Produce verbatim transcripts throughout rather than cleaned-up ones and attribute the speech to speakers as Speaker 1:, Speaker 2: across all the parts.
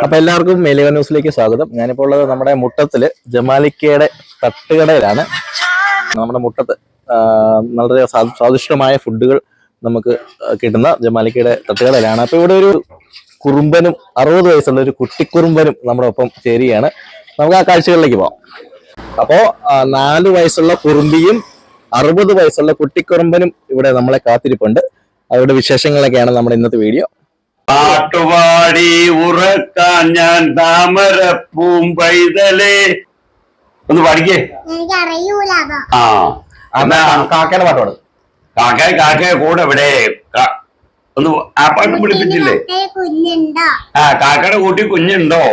Speaker 1: അപ്പൊ എല്ലാവർക്കും മേലിക ന്യൂസിലേക്ക് സ്വാഗതം. ഞാനിപ്പോൾ ഉള്ളത് നമ്മുടെ മുട്ടത്തില് ജമാലിക്കയുടെ തട്ടുകടയിലാണ്. നമ്മുടെ മുട്ടത്ത് വളരെ സ്വാദിഷ്ടമായ ഫുഡുകൾ നമുക്ക് കിട്ടുന്ന ജമാലിക്കയുടെ തട്ടുകടയിലാണ്. അപ്പൊ ഇവിടെ ഒരു കുറുമ്പനും അറുപത് വയസ്സുള്ള ഒരു കുട്ടിക്കുറുമ്പനും നമ്മുടെ ഒപ്പം ചേരുകയാണ്. നമുക്ക് ആ കാഴ്ചകളിലേക്ക് പോവാം. അപ്പോ നാല് വയസ്സുള്ള കുറുമ്പിയും അറുപത് വയസ്സുള്ള കുട്ടിക്കുറുമ്പനും ഇവിടെ നമ്മളെ കാത്തിരിപ്പുണ്ട്. അവരുടെ വിശേഷങ്ങളൊക്കെയാണ് നമ്മുടെ ഇന്നത്തെ വീഡിയോ.
Speaker 2: പാട്ടുപാടി ഉറക്കാൻ ഞാൻ താമര പൂമ്പൈതലേ ഒന്ന് പഠിക്കേ. ആ
Speaker 1: കാക്കയുടെ പാട്ടോട്
Speaker 2: കാക്ക കാക്കയെ കൂടെ ഇവിടെ ഒന്ന് ആ പാട്ട് പിടിപ്പിച്ചില്ലേ? ആ കാക്കയുടെ കൂട്ടി കുഞ്ഞുണ്ടോ?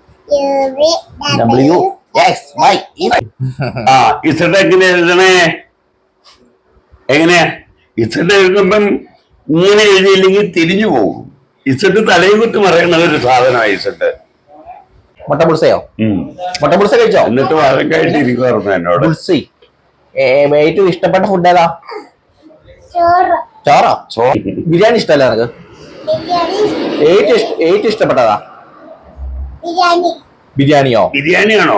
Speaker 2: ആ ഇസഡ് എങ്ങനെ എഴുതണേ? എങ്ങനെയാ ഇസഡ് എഴുതുമ്പം ഇങ്ങനെ എഴുതിയില്ലെങ്കിൽ തിരിഞ്ഞു പോകും. ഇസട്ട് തലയും കുത്തി മറയുന്ന ഒരു സാധനമാണ് ഇസട്ട്.
Speaker 1: മുട്ട പുൾസയോ? മുട്ട പുൾസ കഴിച്ചോ?
Speaker 2: എന്നിട്ട് വഴക്കായിട്ട് ഇരിക്കുവായിരുന്നു എന്നോട്.
Speaker 1: ഏറ്റവും ഇഷ്ടപ്പെട്ട ഫുഡ് ഏതാ? ചോറോ? ബിരിയാണി ഇഷ്ടമല്ല നിനക്ക്? ഏറ്റവും ഇഷ്ടപ്പെട്ടതാ? ബിരിയാണിയോ?
Speaker 2: ബിരിയാണിയാണോ?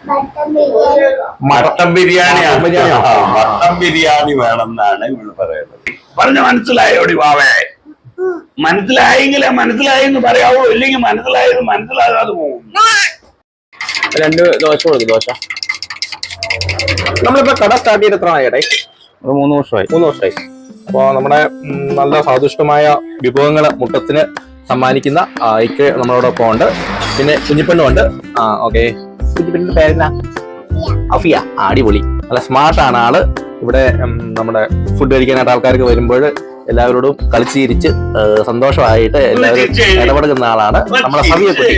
Speaker 2: മട്ടൻ ബിരിയാണിയാണ്. മട്ടൻ ബിരിയാണി വേണമെന്നാണ് ഇവിടെ പറയുന്നത്. പറഞ്ഞ മനസ്സിലായോടി വാവേ? മനസ്സിലായെങ്കിലേ മനസ്സിലായെന്ന് പറയാവോ, ഇല്ലെങ്കിൽ മനസ്സിലായത് മനസ്സിലാകാതെ പോകും.
Speaker 1: രണ്ട് ദോശ കൊടുക്കും. ദോശ നമ്മളിപ്പോ കട സ്റ്റാർട്ട് ചെയ്ത് എത്ര ആയിട്ടെ?
Speaker 3: ഒരു മൂന്ന് വർഷമായി
Speaker 1: മൂന്ന് വർഷമായി അപ്പൊ നമ്മുടെ നല്ല സ്വാദിഷ്ടമായ വിഭവങ്ങള് മുട്ടത്തിന് സമ്മാനിക്കുന്ന ഐക്ക് നമ്മളോടൊപ്പം ഉണ്ട്. പിന്നെ കുഞ്ഞിപ്പെണ്ണും ഉണ്ട്. ആ ഓക്കെ. കുഞ്ഞിപ്പെണ്ണിന്റെ പേരെന്നാ? അഫിയ. അടിപൊളി. നല്ല സ്മാർട്ടാണ് ആള്. ഇവിടെ നമ്മുടെ ഫുഡ് കഴിക്കാനായിട്ട് ആൾക്കാർക്ക് വരുമ്പോൾ എല്ലാവരോടും കളിച്ച് ചിരിച്ച് സന്തോഷമായിട്ട് എല്ലാവരും ഇടപെടുന്ന ആളാണ് നമ്മളെ സവിയെ കുട്ടി.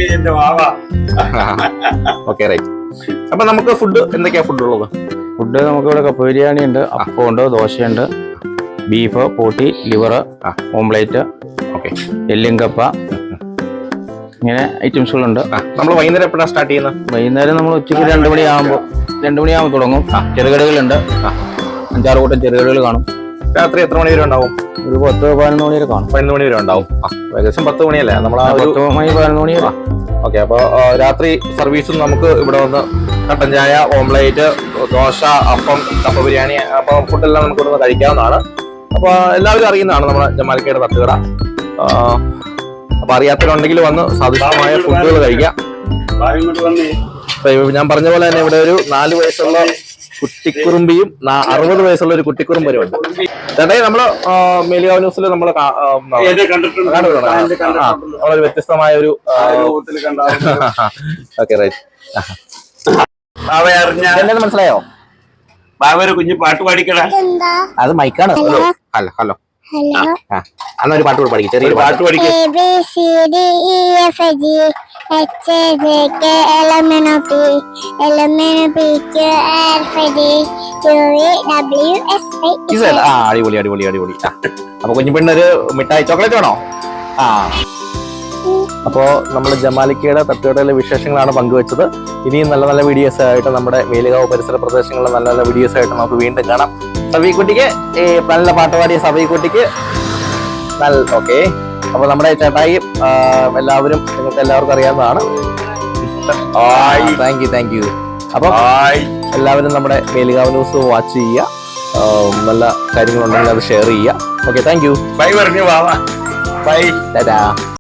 Speaker 1: Okay right. അപ്പൊ നമുക്ക് ഫുഡ് എന്തൊക്കെയാ ഫുഡ് ഉള്ളത്?
Speaker 3: ഫുഡ് നമുക്കിവിടെ കപ്പ ബിരിയാണി ഉണ്ട്, അപ്പമുണ്ട്, ദോശയുണ്ട്, ബീഫ്, പോട്ടി, ലിവർ, ഓംപ്ലേറ്റ്, ഓക്കെ, എല്ലും കപ്പ, ഇങ്ങനെ ഐറ്റംസുകളുണ്ട്.
Speaker 1: നമ്മൾ വൈകുന്നേരം എപ്പോഴാണ് സ്റ്റാർട്ട് ചെയ്യുന്നത്?
Speaker 3: വൈകുന്നേരം നമ്മൾ ഉച്ചയ്ക്ക് രണ്ട് മണിയാകുമ്പോൾ രണ്ട് മണിയാകുമ്പോൾ തുടങ്ങും. ചെറുകടികളുണ്ട്, അഞ്ചാറ് കൂട്ടം ചെറുകടികൾ കാണും.
Speaker 1: രാത്രി എത്ര മണി വരെ ഉണ്ടാവും?
Speaker 3: ഒരു പത്ത് പതിനൊന്ന് മണി വരെ കാണും.
Speaker 1: പതിനൊന്ന് മണി വരെ ഉണ്ടാവും. ഏകദേശം പത്ത് മണിയല്ലേ നമ്മൾ?
Speaker 3: പത്ത് മണി പതിനൊന്ന് മണി വരെ.
Speaker 1: ഓക്കെ. അപ്പോൾ രാത്രി സർവീസും നമുക്ക് ഇവിടെ വന്ന് കട്ടൻ ചായ, ഓംപ്ലേറ്റ്, ദോശ, അപ്പം, കപ്പ ബിരിയാണി, അപ്പോൾ ഫുഡെല്ലാം നമുക്ക് ഇവിടെ കഴിക്കാവുന്നതാണ്. അപ്പോൾ എല്ലാവരും അറിയുന്നതാണ് നമ്മുടെ ജമാലിക്കയുടെ തട്ടുകട. അപ്പൊ അറിയാത്തവരുണ്ടെങ്കിൽ വന്ന് സ്വാദിഷ്ടമായ ഫുഡുകൾ കഴിക്കാം. ഞാൻ പറഞ്ഞ പോലെ തന്നെ ഇവിടെ ഒരു നാല് വയസ്സുള്ള കുട്ടിക്കുറുമ്പിയും അറുപത് വയസ്സുള്ള ഒരു കുട്ടിക്കുറുമ്പനും ഉണ്ട്. ചേട്ടായി നമ്മള് മേലിക ന്യൂസിൽ നമ്മള് നമ്മളൊരു വ്യത്യസ്തമായ ഒരു ഓക്കെ റൈറ്റ്. എന്നെ മനസ്സിലായോ?
Speaker 2: ബാബ കുഞ്ഞു പാട്ട് പാടിക്കടാ.
Speaker 1: അത് മൈക്കാണ്. ഹലോ ഹലോ അന്ന ഒരു പാട്ട് കൂടെ പഠിക്കും. ചെറിയൊരു പാട്ട് പഠിക്കും. അടിപൊളി അടിപൊളി അടിപൊളി. അപ്പൊ കുഞ്ഞുപെണ്ണൊരു മിഠായി ചോക്ലേറ്റ് വേണോ? ആ അപ്പോ നമ്മൾ ജമാലിക്കയുടെ തട്ടുകടയിലെ വിശേഷങ്ങളാണ് പങ്കുവെച്ചത്. ഇനിയും നല്ല നല്ല വീഡിയോസ് ആയിട്ട് നമ്മുടെ മേലുകാവ് പരിസര പ്രദേശങ്ങളിലെ നല്ല നല്ല വീഡിയോസ് ആയിട്ട് നമുക്ക് വീണ്ടും കാണാം. സബീക്കുട്ടിക്ക് ഈ നല്ല പാട്ടുപാടിയ സബീക്കുട്ടിക്ക് നല്ല ഓക്കെ. അപ്പൊ നമ്മുടെ ചേട്ടായി എല്ലാവരും നിങ്ങൾക്ക് എല്ലാവർക്കും അറിയാവുന്നതാണ്. Thank you thank you. അപ്പൊ എല്ലാവരും നമ്മുടെ മേലുകാവ് ന്യൂസ് വാച്ച് ചെയ്യുക. നല്ല കാര്യങ്ങളുണ്ടെങ്കിൽ അത് ഷെയർ ചെയ്യുക. Okay thank you.
Speaker 2: ബൈ പറഞ്ഞു. ബൈ.
Speaker 1: ടാറ്റാ.